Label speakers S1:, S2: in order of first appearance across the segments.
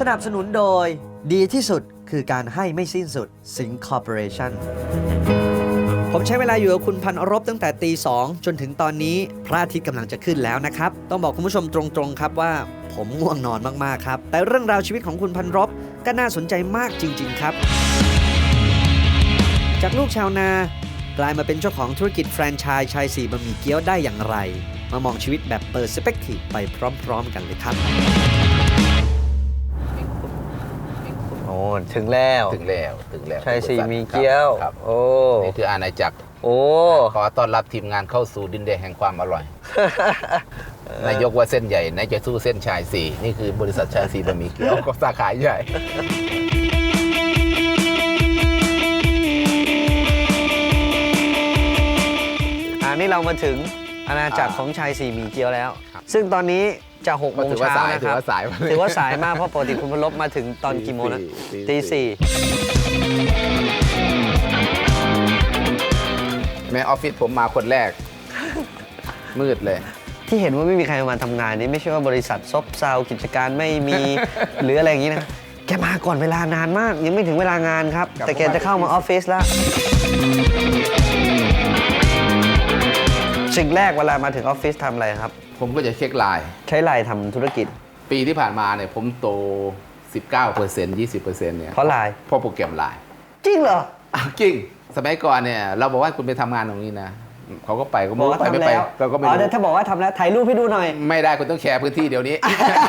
S1: นับสนุนโดยดีที่สุดคือการให้ไม่สิ้นสุดสิงห์คอร์ปอเรชั่นผมใช้เวลาอยู่กับคุณพันรบตั้งแต่ตี 2จนถึงตอนนี้พระอาทิตย์กำลังจะขึ้นแล้วนะครับต้องบอกคุณผู้ชมตรงๆครับว่าผมง่วงนอนมากๆครับแต่เรื่องราวชีวิตของคุณพันรบก็น่าสนใจมากจริงๆครับจากลูกชาวนากลายมาเป็นเจ้าของธุรกิจแฟรนไชส์ชาย4บะหมี่เกี๊ยวได้อย่างไรมามองชีวิตแบบเปอร์สเปกทีฟไปพร้อมๆกันเลยครับ
S2: โอ้ถึงแล้วชายสี่มีเกี๊ยวโอ้
S3: นี่คืออาณาจักร
S2: โอ้
S3: ขอต้อนรับทีมงานเข้าสู่ดินแดนแห่งความอร่อย นายกว่าเส้นใหญ่นายจะสู้เส้นชายสี่นี่คือบริษัทชายสี่บะหมี่เกี๊ยวก็สาขาใหญ่
S2: นี่เรามาถึงอาณาจักรของชายสี่หมี่เกี๊ยวแล้วซึ่งตอนนี้จะ6 โมงเช้านะครับถือว่าสายมากเพราะปกติคุณพลบมาถึงตอนกี่โมงนะตี
S3: 4แม่ออฟฟิศผมมาคนแรกมืดเลย
S2: ที่เห็นว่าไม่มีใครมาทำงานนี่ไม่ใช่ว่าบริษัทซบเซากิจการไม่มี หรืออะไรอย่างนี้นะแกมาก่อนเวลานานมากยังไม่ถึงเวลางานครับแต่แกจะเข้ามาออฟฟิศแล้วสิ่งแรกเวลามาถึงออฟฟิศทำอะไรครับ
S3: ผมก็จะเช็คไลน์
S2: ใช้ไลน์ทำธุรกิจ
S3: ปีที่ผ่านมาเนี่ยผมโต 19% 20%เนี่ย
S2: เพราะไลน์
S3: เพราะโปรแกรมไลน์
S2: จริงเหรอ
S3: จริงสมัยก่อนเนี่ยเราบอกว่าคุณไปทำงานตรงนี้นะเขาก็ไปก็ไม่ไปไม่ไปก็ไม่รู้
S2: ถ้าบอกว่าทำแล้วถ่ายรูปให้ดูหน่อย
S3: ไม่ได้คุณต้องแชร์พื้นที่เดี๋ยวนี้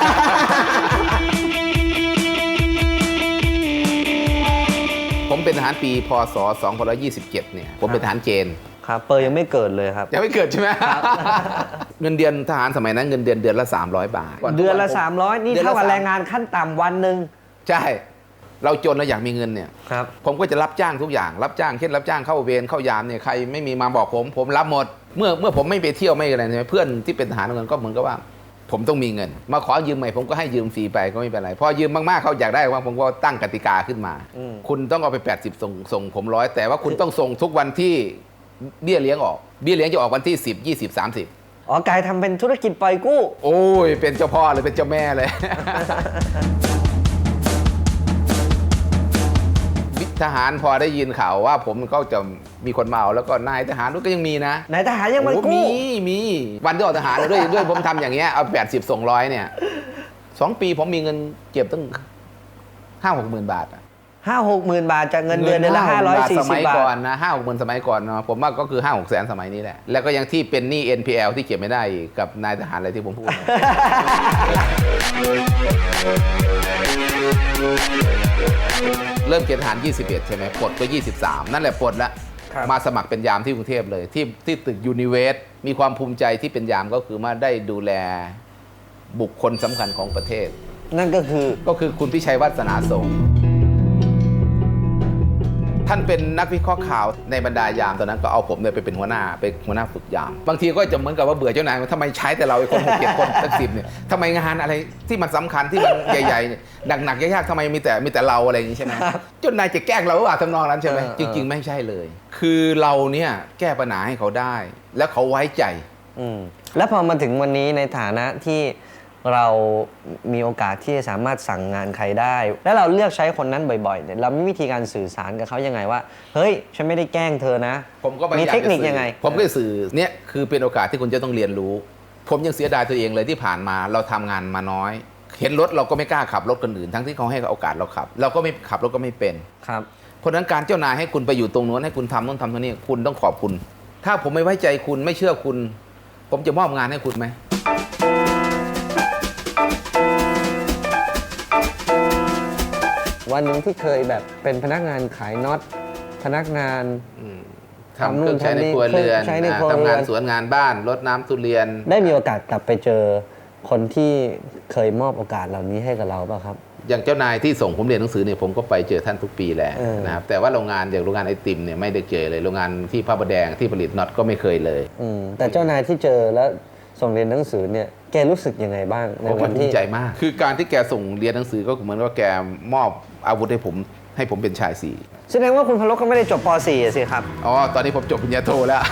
S3: ผมเป็นทหารปีพศ2527เนี่ยผมเป็นทหารเกณฑ์
S2: ครับเปอร์ยังไม่เกิดเลยครับ
S3: ยังไม่เกิดใช่ไหมเงินเดือนทหารสมัยนั้นเงินเดือนละ300 บาท
S2: เดือนละ300นี่เท่ากับแรงงานขั้นต่ำวันหนึ่ง
S3: ใช่เราจนเราอยากมีเงินเนี่ย
S2: ครับ
S3: ผมก็จะรับจ้างทุกอย่างรับจ้างเช่นรับจ้างเข้าเวรเข้ายามเนี่ยใครไม่มีมาบอกผมรับหมดเมื่อผมไม่ไปเที่ยวไม่อะไรใช่ไหมเพื่อนที่เป็นทหารเงินก็เหมือนกับว่าผมต้องมีเงินมาขอยืมใหม่ผมก็ให้ยืมฟรีไปก็ไม่เป็นไรพอยืมมากๆเขาอยากได้ว่าผมก็ตั้งกติกาขึ้นมาคุณต้องเอาไป80ส่งผม100แต่ว่าคุณต้องส่งทุกวันที่เบี้ยเลี้ยงออกเบี้ยเลี้ยงจะออกวันที่10 20 30
S2: อ๋อกายทำเป็นธุรกิจปล่อยกู้
S3: โอ้ยเป็นเจ้าพ่อเลยเป็นเจ้าแม่เลย ทหารพอได้ยินข่าวว่าผมก็จะมีคนเมาแล้วก็นายทหารก็ยังมีนะ
S2: นายทหารยังมากู้
S3: มีวันที่ออกทหารด้วยผมทำอย่างเงี้ยเอา80ส่ง100เนี่ย2 ปีผมมีเงินเก็บตั้ง 5-6 หมื่นบาท
S2: 50,000 บาทจากเงินเดือนละ540 บาท
S3: สมัยก่อนนะ5-6 หมื่นสมัยก่อนเนาะผมว่าก็คือ5-6 แสนสมัยนี้แหละแล้วก็ยังที่เป็นหนี้ NPL ที่เก็บไม่ได้กับนายทหารอะไรที่ผมพูด เริ่มเกณฑ์ทหาร21ใช่ไหมปลดก็23นั่นแหละปลดแล้วมาสมัครเป็นยามที่กรุงเทพเลยที่ตึกยูนิเวสมีความภูมิใจที่เป็นยามก็คือมาได้ดูแลบุคคลสำคัญของประเทศ
S2: นั่นก็คือ
S3: คุณพิชัยวาสนาส่งท่านเป็นนักวิเคราะห์ข่าวในบรรดายามตอนนั้นก็เอาผมเนี่ยไปเป็นหัวหน้าฝึกยามบางทีก็จะเหมือนกับว่าเบื่อเจ้านายทำไมใช้แต่เราไอ้คน6-7 คนตั้ง10เนี่ยทำไมงานอะไรที่มันสำคัญที่มันใหญ่ๆหนักๆยากๆทำไมมีแต่เราอะไรอย่างนี้ใช่ไหมเจ้านายจะแกล้งเราหรือเปล่าทำนองนั้นใช่ไหมจริงๆไม่ใช่เลยคือเราเนี่ยแก้ปัญหาให้เขาได้แล้วเขาไว้ใจ
S2: แล้วพอมาถึงวันนี้ในฐานะที่เรามีโอกาสที่จะสามารถสั่งงานใครได้แล้วเราเลือกใช้คนนั้นบ่อยๆเนี่ยเรามีวิธีการสื่อสารกับเขายังไงว่าเฮ้ยฉันไม่ได้แกล้งเธอนะ
S3: ผมก็
S2: มีเทคนิคยังไง
S3: ผมก็สื่อเนี่ยคือเป็นโอกาสที่คุณจะต้องเรียนรู้ผมยังเสียดายตัวเองเลยที่ผ่านมาเราทำงานมาน้อยเห็นรถเราก็ไม่กล้าขับรถคนอื่นทั้งที่เขาให้โอกาสเราขับเราก็ไม่ขับรถก็ไม่เป็น
S2: ครับ
S3: เพราะนั้นการเจ้านายให้คุณไปอยู่ตรงนู้นให้คุณทำนู่นทำนี่คุณต้องขอบคุณถ้าผมไม่ไว้ใจคุณไม่เชื่อคุณผมจะมอบงานให้คุณไหม
S2: วันหนึ่งที่เคยแบบเป็นพนักงานขายน็อตพนักงาน
S3: ทำเครื่องใช้ในครัวเรือนทำงานสวนงานบ้านรดน้ำทุเรียน
S2: ได้มีโอกาสกลับไปเจอคนที่เคยมอบโอกาสเหล่านี้ให้กับเราป่ะครับ
S3: อย่างเจ้านายที่ส่งผมเรียนหนังสือเนี่ยผมก็ไปเจอท่านทุกปีแหละนะครับแต่ว่าโรงงานอย่างโรงงานไอติมเนี่ยไม่ได้เจอเลยโรงงานที่พระประแดงที่ผลิตน็อตก็ไม่เคยเลย
S2: แต่เจ้านายที่เจอแล้วส่งเรียนหนังสือเนี่ยแกรู้สึกยังไงบ้างในวันที่
S3: ภูมิใจมากคือการที่แกส่งเรียนหนังสือก็เหมือนว่าแกมอบอาวุธให้ผมเป็นชายสี่
S2: แสดงว่าคุณพลก็ไม่ได้จบป .4 สิครับ
S3: อ๋อตอนนี้ผมจบปริญญาโทแล้ว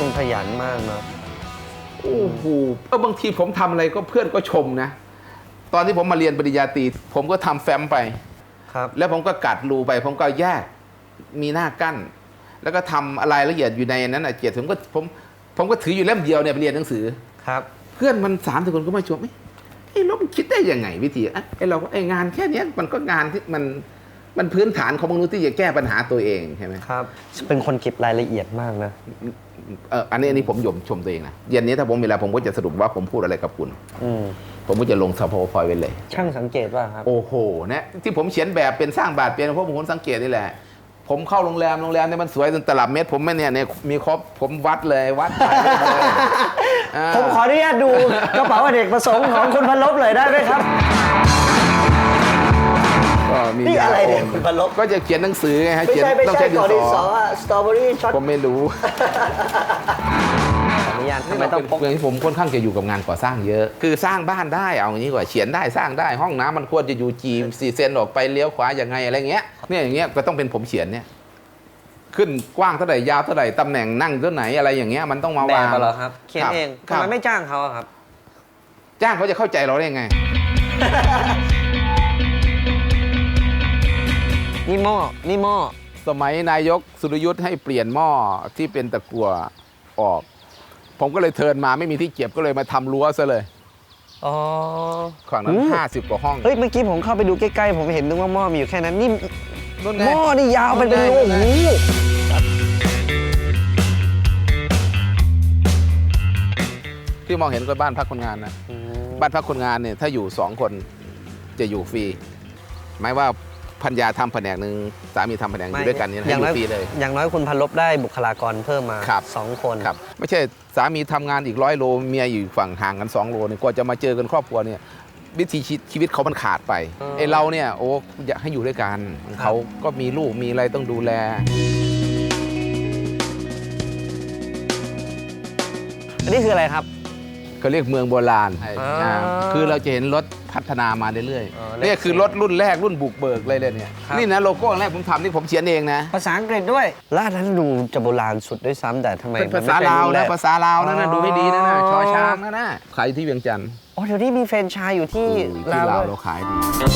S2: คนขยันมากเนาะ
S3: โอ้โหบางทีผมทำอะไรก็เพื่อนก็ชมนะ ตอนที่ผมมาเรียนปริญญาตรีผมก็ทำแฟ้มไป
S2: ครับ
S3: แล้วผมก็กัดรูไป ผมก็แยกมีหน้ากั้น แล้วก็ทำอะไรละเอียดอยู่ในนั้นเกียรติผมก็ถืออยู่เล่มเดียวเนี่ยไปเรียนหนังสือ
S2: ครับ
S3: เพื่อนมัน30 คนก็มาชมไอ้ลบคิดได้ยังไงวิธีไอ้เราไอ้งานแค่เนี้ยมันก็งานที่มันพื้นฐานของมนุษย์ที่จะแก้ปัญหาตัวเองใช่ไหม
S2: ครับ เป็นคนเก็บรายละเอียดมากนะ
S3: อันนี้ผมชมตัวเองนะเย็นนี้ถ้าผมมีเวลาผมก็จะสรุปว่าผมพูดอะไรกับคุณ ผมก็จะลงสโพพอยไว้เลย
S2: ช่างสังเกตว่าครับ
S3: โอ้โหเนี่ยที่ผมเขียนแบบเป็นสร้างบาทเป็นเพราะผมสังเกตนี่แหละ ผมเข้าโรงแรมเนี่ยมันสวยจนตลับเมตรผมไม่เนี่ยมีครบผมวัดเลยวัดถ่ายเลย
S2: ผมขออนุญาตดูกระเป๋าอเนกประสงค์ของคุณพันลบเลยได้ไหมครับ
S3: ก็มี
S2: นี่อะไรเนี่ยคุณพันลบ
S3: ก็จะเขียนหนังสือไงฮะ
S2: ไม่
S3: เขียน
S2: ใช่ไม่
S3: ต้อง
S2: ใช่
S3: ใช้ดิ
S2: ก่อน
S3: น
S2: ดิน
S3: ส
S2: ส
S3: อ
S2: อสตรอเบอรี่ช็อต
S3: ผมไม่รู้
S2: ขออนุญาตทำไมต้องพก
S3: เรื่องที่ผมค่อนข้างจะอยู่กับงานก่อสร้างเยอะ คือสร้างบ้านได้เอาอย่างนี้ก่อนเขียนได้สร้างได้ห้องน้ำมันควรจะอยู่4 เซนออกไปเลี้ยวขวาอย่างไงอะไรเงี้ยเนี่ยอย่างเงี้ยก็ต้องเป็นผมเขียนเนี่ยขึ้นกว้างเท่าไหร่ยาวเท่าไหร่ตำแหน่งนั่งเท่าไหนอะไรอย่างเงี้ยมันต้องมา
S2: แบ
S3: วาง
S2: บเหรอครับ เขียนเอง
S3: ครั
S2: ทำ
S3: บ
S2: ไมไม่จ้างเขาอะครับ
S3: จ้างเขาจะเข้าใจเราได้ยังไง
S2: นี่หม้อ
S3: สมัยนายกสุรยุทธ์ให้เปลี่ยนหม้อที่เป็นตะกั่วออก ผมก็เลยเทิร์นมาไม่มีที่เก็บก็เลยมาทำรั้วซะเลย
S2: อ๋อ
S3: ฝั่งนั้น50 กว่าห้อง
S2: เฮ้ย เมื่อกี้ผมเข้าไปดูใกล้ๆ ผมเห็นนึกว่าหม้อมีอยู่แค่นั้น นี่
S3: นู่นไง
S2: หม้อนี่ยาวเป็นรู
S3: นู่นไง
S2: โอ้โห
S3: ที่มองเห็นก็บ้านพักคนงานนะบ้านพักคนงานเนี่ยถ้าอยู่2 คนจะอยู่ฟรีหมายว่าพันยาทำแผนกหนึ่งสามีทำแผนกอยู่ด้วยกันเนี่ยให้อยู่ฟรีเลย
S2: อย่างน้อยคุณพันลบได้บุคลากรเพิ่มมา
S3: ครับ
S2: 2 คน
S3: ครับไม่ใช่สามีทำงานอีก100 โลเมียอยู่ฝั่งห่างกัน2 โลเนี่ยกว่าจะมาเจอกันครอบครัวเนี่ยวิถีชีวิตเขามันขาดไปไอ้เราเนี่ยโอ้อยากให้อยู่ด้วยกันเขาก็มีลูกมีอะไรต้องดูแล
S2: อันนี้คืออะไรครับ
S3: เขาเรียกเมืองโบราณ
S2: อ่า
S3: คือเราจะเห็นรถพัฒนามาเรื่อย
S2: อ๋อ
S3: ๆนี่คือรถรุ่นแรกรุ่นบุกเบิกเลยเนี่ย
S2: ครับ
S3: นี่นะโลโก้แรกผมทำนี่ผมเขียนเองนะ
S2: ภาษาอังกฤษด้วยร้านนั้นดูจะโบราณสุดด้วยซ้ำแต่ทำไม
S3: เป็นภาษาลาวนะภาษาลาวนั่นนะดูให้ดีนะนะชอช้างนะนะขายที่เวียงจันทร์
S2: อ๋อเดี๋ยวนี้มีแฟรนไชส์อยู่ที่
S3: ที่
S2: ลาว
S3: ลาว
S2: ด้วย
S3: เราขายดี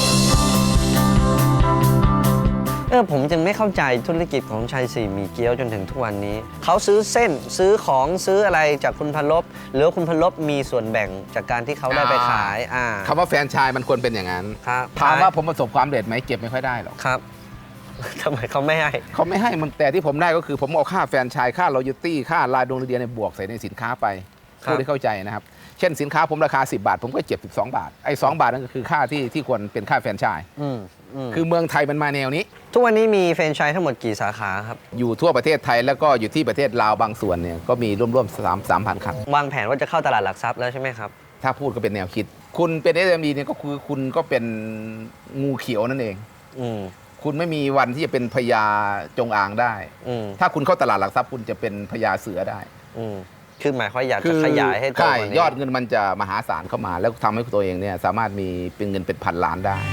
S2: ผมจึงไม่เข้าใจธุรกิจของชัยสี่หมี่เกี๊ยวจนถึงทุกวันนี้ เขาซื้อเส้นซื้อของซื้ออะไรจากคุณพันลบหรือว่าคุณพันลบมีส่วนแบ่งจากการที่เขาได้ไปขาย
S3: คำว่าแฟรนไชส์มันควรเป็นอย่างนั้น
S2: ครับ
S3: ถามว่าผมประสบความสำเร็จไหมเก็บไม่ค่อยได้หรอก
S2: ครับ ทำไมเขาไม่ให้
S3: เขาไม่ให้มันแต่ที่ผมได้ก็คือผมเอาค่าแฟรนไชส์ค่ารอยัลตี้ค่ารายดงเรียนในบวกใส่ในสินค้าไป
S2: ครับ
S3: เพื่อที่เข้าใจนะครับเช่นสินค้าผมราคา10 บาท ผมก็เก็บ12 บาทไอ้2 บาทนั่นก็คือค่าที่ควรเป็นค่าแฟรนไชส์ คือเมืองไทยมันมาแนวนี้
S2: ทุกวันนี้มีแฟรนไชส์ทั้งหมดกี่สาขาครับ
S3: อยู่ทั่วประเทศไทยแล้วก็อยู่ที่ประเทศลาวบางส่วนเนี่ยก็มีร่วมๆ3,000 คัน
S2: วางแผนว่าจะเข้าตลาดหลักทรัพย์แล้วใช่ไหมครับ
S3: ถ้าพูดก็เป็นแนวคิด คุณเป็น SME เนี่ยก็คือคุณก็เป็นงูเขียวนั่นเอง
S2: อืม
S3: คุณไม่มีวันที่จะเป็นพญาจงอางได้
S2: อืม
S3: ถ้าคุณเข้าตลาดหลักทรัพย์คุณจะเป็นพญาเสือได้
S2: อืมคือหมายความอยากจะขยายให้โตก
S3: ใช่
S2: ว่านี้
S3: ยอดเงินมันจะมหาศาลเข้ามา แล้วทำให้ตัวเองเนี่ยสามารถมีเป็นเงินเป็นพันล้านได้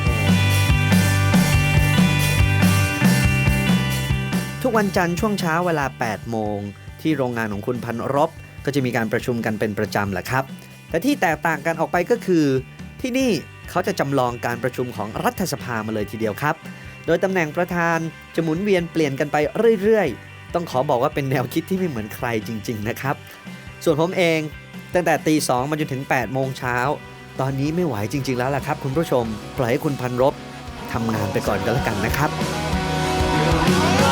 S1: ทุกวันจันทร์ช่วงเช้าเวลา 8 โมง ที่โรงงานของคุณพันรบก็จะมีการประชุมกันเป็นประจำแหละครับ แต่ที่แตกต่างกันออกไปก็คือ ที่นี่เขาจะจำลองการประชุมของรัฐสภามาเลยทีเดียวครับ โดยตำแหน่งประธานจะหมุนเวียนเปลี่ยนกันไปเรื่อยๆ ต้องขอบอกว่าเป็นแนวคิดที่ไม่เหมือนใครจริงๆนะครับ ส่วนผมเองตั้งแต่ตี 2 มาจนถึง 8 โมงเช้า ตอนนี้ไม่ไหวจริงๆแล้วล่ะครับคุณผู้ชม ปล่อยให้คุณพันรบทำงานไปก่อนก็แล้วกันนะครับ